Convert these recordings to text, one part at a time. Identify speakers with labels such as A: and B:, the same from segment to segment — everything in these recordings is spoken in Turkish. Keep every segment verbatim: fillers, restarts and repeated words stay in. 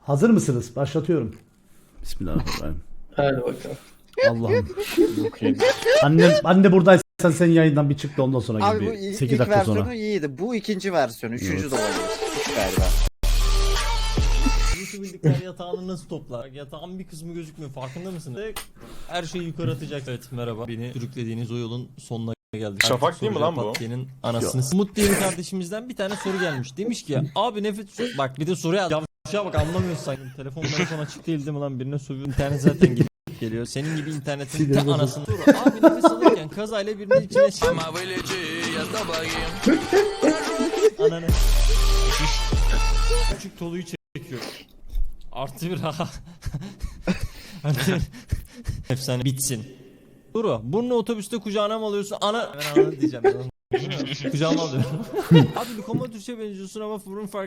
A: Hazır mısınız? Başlatıyorum. Bismillahirrahmanirrahim.
B: Hadi bakalım.
A: Allah'ım. Annem, anne buradaysan sen yayından bir çık da ondan sonra
C: Abi
A: gibi.
C: bu ilk,
A: sekiz
C: ilk
A: dakika
C: versiyonu
A: sonra.
C: iyiydi. Bu ikinci versiyonu. Üçüncü
A: Evet.
C: de olabilir. Üç galiba.
D: Yusuf bildikler yatağını nasıl toplar? Yatağın bir kısmı gözükmüyor, farkında mısın? Her şeyi yukarı atacak. Evet, merhaba. Beni sürüklediğiniz o yolun sonuna geldik.
E: Şafak
D: Artık
E: değil mi
D: soracağım
E: lan bu?
D: Patlı'nın anasını. Umut diye bir kardeşimizden bir tane soru gelmiş. Demiş ki abi nefes... Bak bir de soruya yavşağa bak, anlamıyorsun sanki. Telefon telefon açık değil değil mi lan? Birine sövüyor. İnternet zaten gidip geliyor. Senin gibi internetin te anasını. Soru abi nefes alırken kazayla birinin içine şey... Ananı. Küçük toluyu çekiyor. Artı bir ha. Artı bir. Efsane bitsin. Duru, burnu otobüste kucağına mı alıyorsun? Ana... Ben ana diyeceğim. Kucağıma alıyorum. Abi Lukoma Türkçe benziyorsun ama burun fark...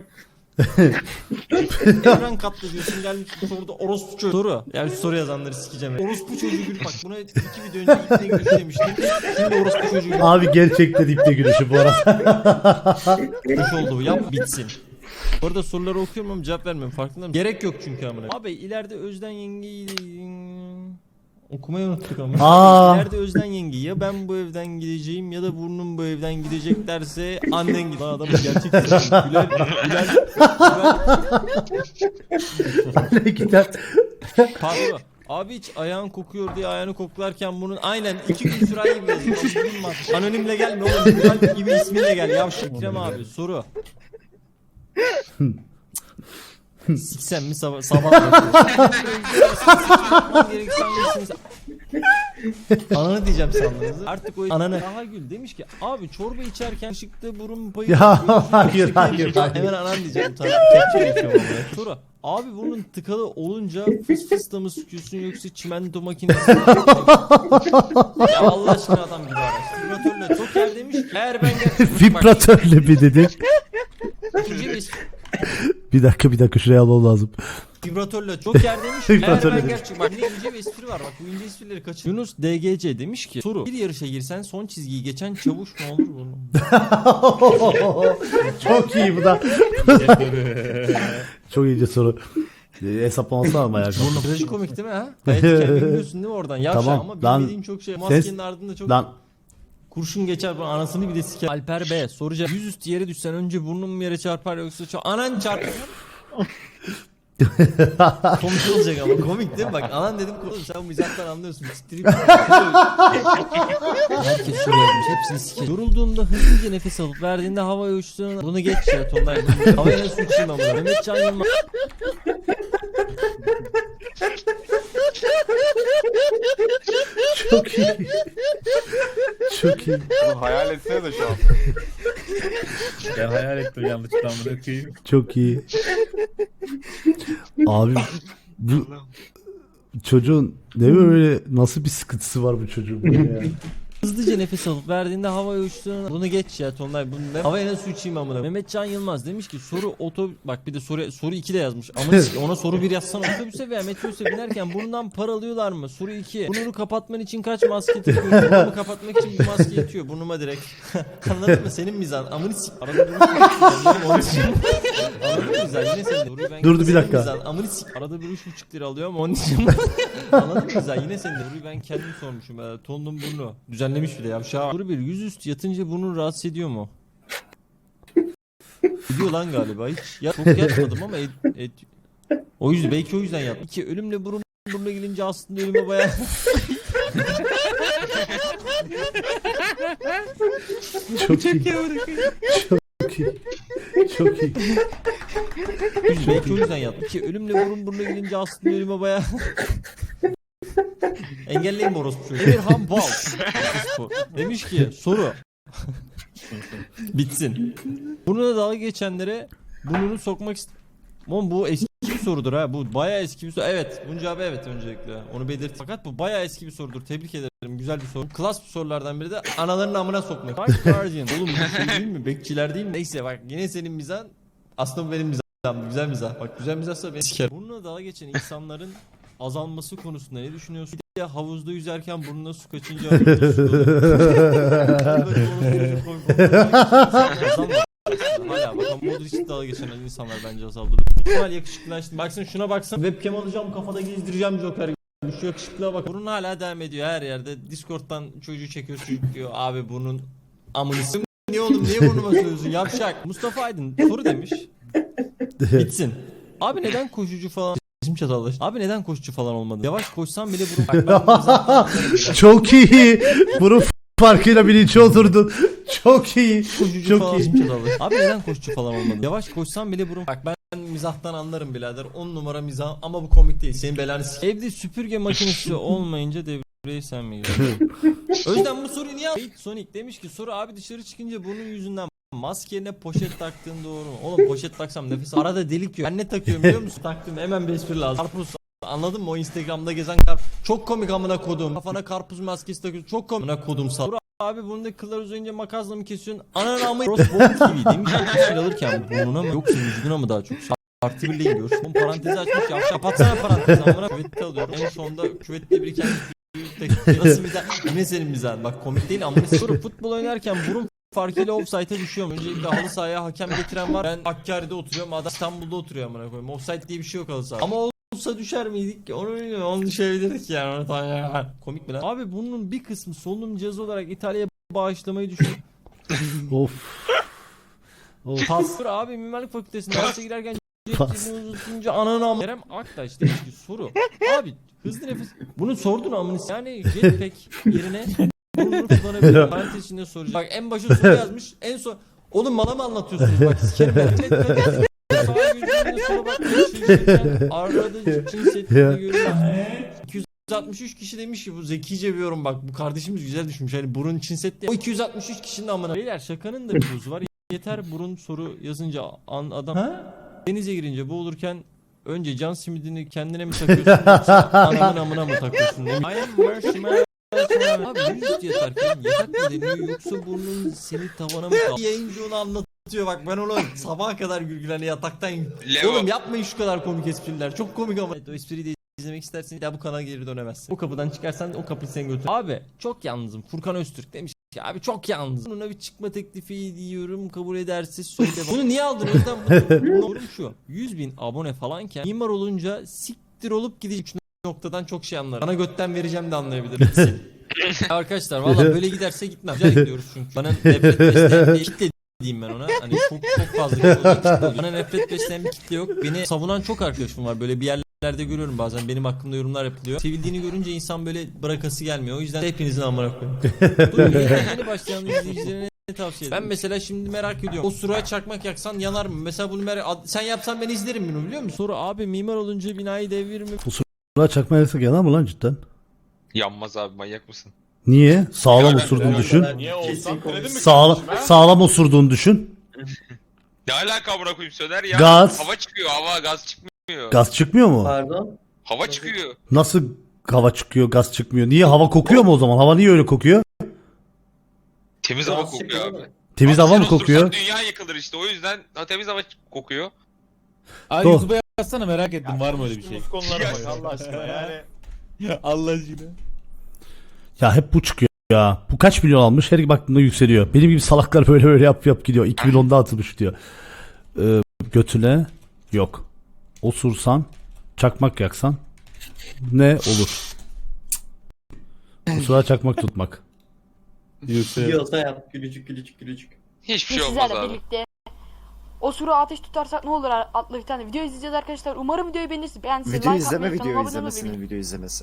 D: Evren katlı diyorsun, gelmiş bu soruda orospu çocuğu. Soru. Yani şu soru yazanları sikeceğim. Orospu çocuğu gül. Bak buna iki video önce ipne gülüş demiştim. Şimdi orospu çocuğu gül.
A: Abi gerçekten ipte gülüşü bu arada.
D: Hoş oldu bu, yap bitsin. Orada soruları okuyorum ama cevap vermiyorum, farkında mısın? Gerek yok çünkü amına. Abi ileride Özden yengeyi... Okumayı unuttuk ama.
A: Aa.
D: İleride Özden yenge ya ben bu evden gideceğim ya da burnum bu evden gidecek derse annen gider. Adamın gerçek Güler, Güler, Güler.
A: Anne gider.
D: Pardon. Abi hiç ayağın kokuyor diye ayağını koklarken bunun aynen iki gün sürer gibi yazıyor. Anonimle gelme oğlum. Güzel gibi isminle gel. Yavşak Ekrem abi soru. Siksen mi sabah sabah Ananı diyeceğim sandınız. Artık o ananı. Daha Gül demiş ki abi çorba içerken ışıkta burun payı.
A: Ya hayır hayır hayır.
D: Hemen anan diyeceğim. Kepçe geçiyorum oraya. Soru. Abi bunun tıkalı olunca fıs fıs da mı sıkıyorsun yoksa çimento makinesi mi? Ya Allah aşkına adam gibi araç. Vibratörle Joker demiş ki eğer ben gerçekten...
A: Vibratörle bir dedi.
D: İkinci bir
A: Bir dakika bir dakika şuraya almam lazım.
D: Vibratörle Joker demiş ki eğer
A: Vibratörle
D: ben
A: demiş.
D: gerçek... Bak ne ince bir espri var, bak bu ince esprileri kaçır. Yunus D G C demiş ki soru. Bir yarışa girsen son çizgiyi geçen çavuş mu olur bunun?
A: Çok iyi bu da. Çok iyice soru. E, hesaplaması ama ya.
D: Burnu trajikomik değil mi ha? Gayet kendini biliyorsun değil mi oradan? Yavşa
A: Tamam,
D: ama
A: lan-
D: bilmediğin çok şey. Maskenin
A: Ses-
D: ardında çok...
A: Lan
D: Kurşun geçer, bu anasını bir de siker. Alper B soracak. Yüzüstü yere düşsen önce burnun mu yere çarpar yoksa çok anan çarpar. Komik olacak ama komik değil mi? Bak anan dedim oğlum sen bu mizahtan anlıyorsun. Siktirip. Herkes şuraya yazmış, hepsini siker. Yorulduğunda hızlıca nefes alıp verdiğinde havaya uçtuğunda bunu geç ya tonlar. Havaya nasıl uçayım ama. Mehmet Can Yılmaz.
A: çok iyi. Çok iyi.
E: Bu hayal etsene de şu an.
B: Ben hayal ettim yanlışlıkla bunu okuyayım.
A: Çok iyi. Abi bu çocuğun ne böyle nasıl bir sıkıntısı var bu çocuğun böyle ya.
D: Hızlıca nefes alıp verdiğinde havaya uçtuğunda bunu geç ya tonlar bunu ne? Havaya nasıl uçayım amına. Mehmet Can Yılmaz demiş ki soru otobüs bak bir de soru soru iki de yazmış. Ama ona soru bir yazsana, otobüse veya metrobüse binerken burnundan para alıyorlar mı? Soru iki. Burnunu kapatman için kaç maske takıyorsun? Burnumu kapatmak için bir maske yetiyor burnuma direkt. Anladın mı? Senin mizan. Amını sik. Arada bir onu için. Anladın mı mizan? Yine senin. Soruyu ben
A: Durdu bir
D: senin
A: dakika.
D: mizan. Amını sik. Arada bir üç buçuk lira alıyorum onun için. Anladın mı mizan? Yine senin. Soruyu ben kendim sormuşum. Ee, tonun burnu. Düzenlemiş bile yavşağı. Soru bir. Yüzüstü yatınca burnun rahatsız ediyor mu? Ediyor lan galiba hiç. Ya çok yatmadım ama et, et. O yüzden belki o yüzden yat. İki ölümle burun burnuna gelince aslında ölüme bayağı.
A: Çok iyi. Çok iyi. Çok iyi.
D: Üç, belki o yüzden yat. İki ölümle burun burnuna gelince aslında ölüme bayağı. Engelleyin bu orospu çocuğu. Emirhan Bal demiş ki soru. Bitsin. Burnuna dalga geçenlere burnunu sokmak ist... Oğlum bu eski bir sorudur ha. Bu bayağı eski bir soru. Evet. Bunun cevabı evet öncelikle. Onu belirt. Fakat bu bayağı eski bir sorudur. Tebrik ederim. Güzel bir soru. Klas bir sorulardan biri de anaların amına sokmak. Bak Guardian. Oğlum bu şey değil mi? Bekçiler değil mi? Neyse bak yine senin mizan. Aslında bu benim mizahım. Güzel mizah. Bak güzel mizahsa beni siker. Burnuna dalga geçen insanların azalması konusunda ne düşünüyorsun? Bir de havuzda yüzerken burnuna su kaçınca havuzda su dolu. Hala bak ama sorudur hiç dalga geçen insanlar bence azaldır. İhtimal yakışıklılaştı. Baksana şuna baksana. Webcam alacağım kafada gezdireceğim Joker gibi. Şu yakışıklığa bak. Burun hala devam ediyor her yerde. Discord'dan çocuğu çekiyor çocuk diyor. Abi bunun amını s***. Niye oğlum niye burnuma söylüyorsun yavşak. Mustafa Aydın soru demiş. Bitsin. Abi neden koşucu falan Bizim çatallaştı. Abi neden koşucu falan olmadı? Yavaş koşsam bile burun. Bak ben
A: Çok iyi. Bunun farkıyla bilinci oturdun. Çok iyi.
D: koşucu
A: Çok
D: falan.
A: iyi.
D: Bizim çatallaştı. Abi neden koşucu falan olmadı? Yavaş koşsam bile burun. Bak ben mizahtan anlarım birader. on numara mizah ama bu komik değil. Senin belanı s***. Evde süpürge makinesi olmayınca devreyi sen mi giriyorsun? O yüzden bu soruyu niye aldın? Sonic demiş ki soru abi dışarı çıkınca burnun yüzünden maske yerine poşet taktığın doğru mu? Oğlum poşet taksam nefes arada delik yok. Ben ne takıyorum biliyor musun? Taktım hemen bir espri lazım. Karpuz anladın mı? O Instagram'da gezen karpuz. Çok komik amına kodum. Kafana karpuz maskesi takıyorsun. Çok komik amına kodum sal. Abi burnundaki kıllar uzayınca makasla mı kesiyorsun? Anan amı Crossbone T V demiş ki kişi alırken burnuna mı yoksa vücuduna mı daha çok? Artı birle gidiyoruz. Son parantezi açmış ya. Kapatsana parantezi amına küvette alıyorum. En sonunda küvette biriken nasıl mizah? Ne senin mizahın? Bak komik değil amına soru futbol oynarken burun farkıyla offside'e düşüyorum. Öncelikle halı sahaya hakem getiren var. Ben Hakkari'de oturuyorum. Adam İstanbul'da oturuyor amına koyayım. Offside diye bir şey yok halı sahada. Ama olsa düşer miydik ki? Onu bilmiyorum. Onu düşebilirdik yani. Komik mi lan? Abi bunun bir kısmı solunum cihazı olarak İtalya'ya bağışlamayı düşün.
A: Of. Of.
D: Tasvir abi mimarlık fakültesinde derse girerken
A: Pas.
D: cebini uzatunca ananı am... Kerem Aktaş demiş ki soru. Abi hızlı nefes. Bunu sordun amını. Yani jetpack yerine bunu kullanabilir. Parantez içinde soracak. Bak en başa soru yazmış. En son oğlum bana mı anlatıyorsunuz? Bak sikerim ben. Sağa gözümle sola bak. Arada cinsiyetini görüyoruz. iki yüz altmış üç kişi demiş ki bu zekice bir yorum bak bu kardeşimiz güzel düşmüş hani burun Çin Seddi. O iki yüz altmış üç kişinin amına. Beyler şakanın da bir bozu var. Yeter burun soru yazınca an adam ha? Denize girince boğulurken önce can simidini kendine mi takıyorsun yoksa anamın amına mı takıyorsun demiş. I am marshmallow. Abi yüz yatarken yatak mı deniyor yoksa burnun seni tavana mı kaldı? Yayıncı onu anlatıyor bak ben onu sabaha kadar gülgül hani yataktan oğlum yapmayın şu kadar komik espriler çok komik ama evet, o espriyi de izlemek istersen ya bu kanala geri dönemezsin. O kapıdan çıkarsan o kapıyı sen götür. Abi çok yalnızım. Furkan Öztürk demiş ki abi çok yalnızım. Buna bir çıkma teklifi diyorum kabul ederse söyle. Bunu niye aldın? O yüzden bunu yorum şu. yüz bin abone falanken mimar olunca siktir olup gidecek noktadan çok şey anlarım. Bana götten vereceğim de anlayabilirim. Arkadaşlar valla böyle giderse gitmem. Güzel gidiyoruz çünkü. Bana nefret besleyen bir kitle diyeyim ben ona. Hani çok çok fazla kitle oluyor. Bana nefret besleyen bir kitle yok. Beni savunan çok arkadaşım var. Böyle bir yerlerde görüyorum bazen benim hakkımda yorumlar yapılıyor. Sevildiğini görünce insan böyle bırakası gelmiyor. O yüzden hepinizin amına koyayım. Dur yeni başlayan izleyicilerine ne tavsiye ederim? Ben mesela şimdi merak ediyorum. O sıraya çakmak yaksan yanar mı? Mesela bunu merak... Sen yapsan ben izlerim bunu biliyor musun? Soru abi mimar olunca binayı devir mi?
A: Ulan çakma yaksak yanar mı lan cidden?
E: Yanmaz abi manyak mısın?
A: Niye? Sağlam osurduğunu düşün.
F: Niye olsam kredi mi
A: Sağla
F: kardeşim, ha?
A: sağlam osurduğunu düşün.
E: Ne alaka amına koyayım Söner ya?
A: Gaz.
E: Hava çıkıyor hava gaz çıkmıyor.
A: Gaz çıkmıyor mu?
C: Pardon.
E: Hava çıkıyor.
A: Nasıl hava çıkıyor, gaz çıkmıyor? Niye hava kokuyor mu o zaman? Hava niye öyle kokuyor?
E: Temiz hava kokuyor abi.
A: Temiz
E: Abi
A: hava
E: sen
A: mı
E: osursan
A: kokuyor?
E: Dünya yıkılır işte o yüzden ha, temiz hava kokuyor.
B: Abi
A: Doğru.
B: YouTube'a yazsana merak ettim var mı öyle bir şey?
F: Konuştuğumuz konulara bak Allah aşkına yani.
B: Allah aşkına.
A: Ya hep bu çıkıyor ya. Bu kaç milyon almış? Her baktığında yükseliyor. Benim gibi salaklar böyle böyle yap yap gidiyor. iki bin onda atılmış diyor. Ee, götüne yok. Osursan, çakmak yaksan ne olur? Osura çakmak tutmak.
G: Yiyorsa yap gülücük gülücük gülücük.
E: Hiçbir
H: Biz
E: şey olmaz
H: sizlerle
E: abi.
H: birlikte o suru ateş tutarsak ne olur adlı bir tane video izleyeceğiz arkadaşlar. Umarım videoyu beğenirsiniz. Beğendiyseniz
C: Video
H: like
C: izleme
H: atmayı,
C: video
H: kanalıma abone olmayı
C: izlemesinin video izlemesi.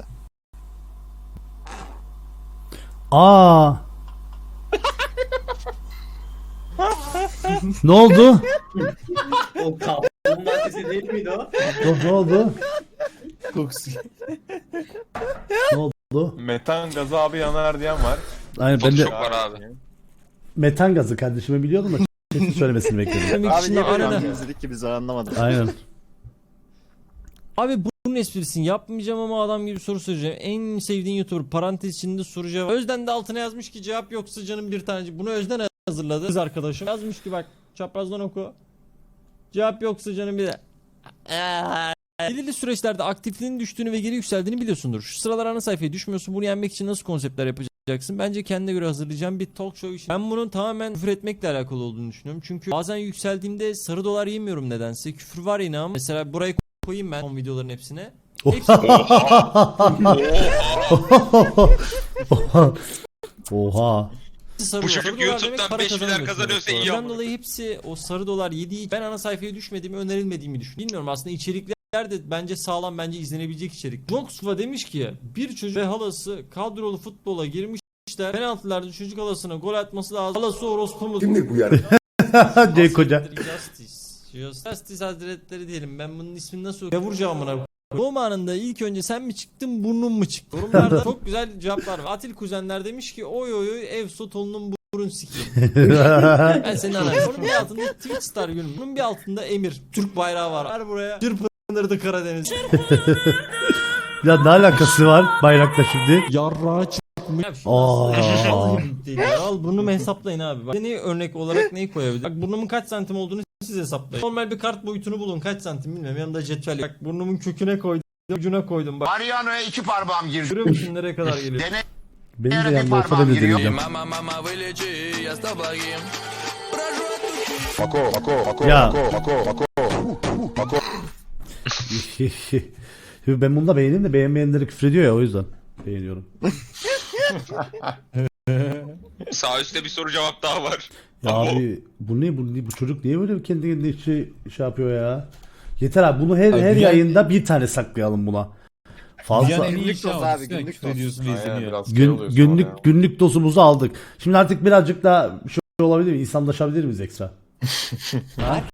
A: Aa. Ne oldu?
G: O kaplumbağa sesi değil miydi o?
A: Ne, ne oldu?
B: Kokusu.
A: Ne oldu?
F: Metan gazı abi yanar diyen var.
A: Aynen ben de
E: Çok var abi.
A: metan gazı kardeşime biliyordum da kesin söylemesini bekledim.
D: Demek
C: Abi
D: için
C: niye böyle
D: arada.
C: bir izledik ki biz anlamadık.
A: Aynen.
D: Abi bunun esprisini yapmayacağım ama adam gibi soru soracağım. En sevdiğin YouTuber parantez içinde soru cevap. Özden de altına yazmış ki cevap yoksa canım bir tanecik. Bunu Özden hazırladı. Kız arkadaşım yazmış ki bak çaprazdan oku. Cevap yoksa canım bir de. Belirli süreçlerde aktifliğinin düştüğünü ve geri yükseldiğini biliyorsundur. Şu sıralar ana sayfaya düşmüyorsun. Bunu yenmek için nasıl konseptler yapacağız? hazırlayacaksın. Bence kendine göre hazırlayacağım bir talk show işi. Ben bunun tamamen küfür etmekle alakalı olduğunu düşünüyorum. Çünkü bazen yükseldiğimde sarı dolar yemiyorum nedense. Küfür var yine ama. Mesela burayı koyayım ben son videoların hepsine. Hepsi
A: Oha.
D: sarı
E: Bu
D: dolar.
E: çocuk
D: Sarı dolar
E: YouTube'dan
D: demek para
E: beş milyar
D: kazanıyorsun
E: kazanıyorsa
D: demek.
E: iyi
D: Ondan
E: ama.
D: dolayı hepsi o sarı dolar yediği ben ana sayfaya düşmediğimi önerilmediğimi düşünüyorum. Bilmiyorum aslında içerikler de bence sağlam bence izlenebilecek içerik. Joksva demiş ki bir çocuk ve halası kadrolu futbola girmişler. Penaltılarda çocuk halasına gol atması lazım. Halası orospu mu?
I: Kimdir bu ya?
A: Cenk Hoca.
D: Justice. Justice Hazretleri diyelim. Ben bunun ismini nasıl okuyacağım amına. Doğum anında ilk önce sen mi çıktın burnun mu çıktı? Yorumlarda çok güzel cevaplar var. Atil kuzenler demiş ki oy oy oy ev sotonunun burun sikeyim. Ben senin anan. Onun bir altında Twitch star gülüm. Bunun bir altında Emir. Türk bayrağı var. Ver buraya. Çırpınırdı Karadeniz.
A: Ya ne alakası var bayrakla şimdi?
D: Yarrağı çıkmış.
A: Aa.
D: Al burnumu hesaplayın abi. Bak, neyi örnek olarak neyi koyabilirim? Bak burnumun kaç santim olduğunu siz hesaplayın. Normal bir kart boyutunu bulun. Kaç santim bilmiyorum. Yanında cetvel yok. Bak burnumun köküne koydum. Ucuna koydum. Bak
I: Mariano'ya iki parmağım girdi.
D: görüyor musun nereye kadar geliyor?
A: Benim de yanımda olsa ben de deneyeceğim.
I: Mako, mako, mako,
A: Ya.
I: mako, mako, mako.
A: Şimdi ben bunu da beğendim de beğenmeyenleri küfrediyor ya o yüzden beğeniyorum.
E: Sağ üstte bir soru cevap daha var.
A: Ya abi bu ne bu, ne- bu çocuk niye böyle kendi kendine şey, şey yapıyor ya? Yeter abi bunu her
B: Abi
A: her
B: bir-
A: yayında bir tane saklayalım buna. Fazla
B: Dünyanın en iyi
C: Günlük
B: işi
C: doz
B: ama
C: abi,
B: üstüne
C: günlük
B: küfür
C: doz.
B: ediyorsun
F: Aynen,
B: izleniyor.
F: biraz şey
A: gün,
F: oluyorsun
A: günlük
F: orada ya.
A: günlük dozumuzu aldık. Şimdi artık birazcık da şey olabilir mi? İnsanlaşabilir miyiz ekstra?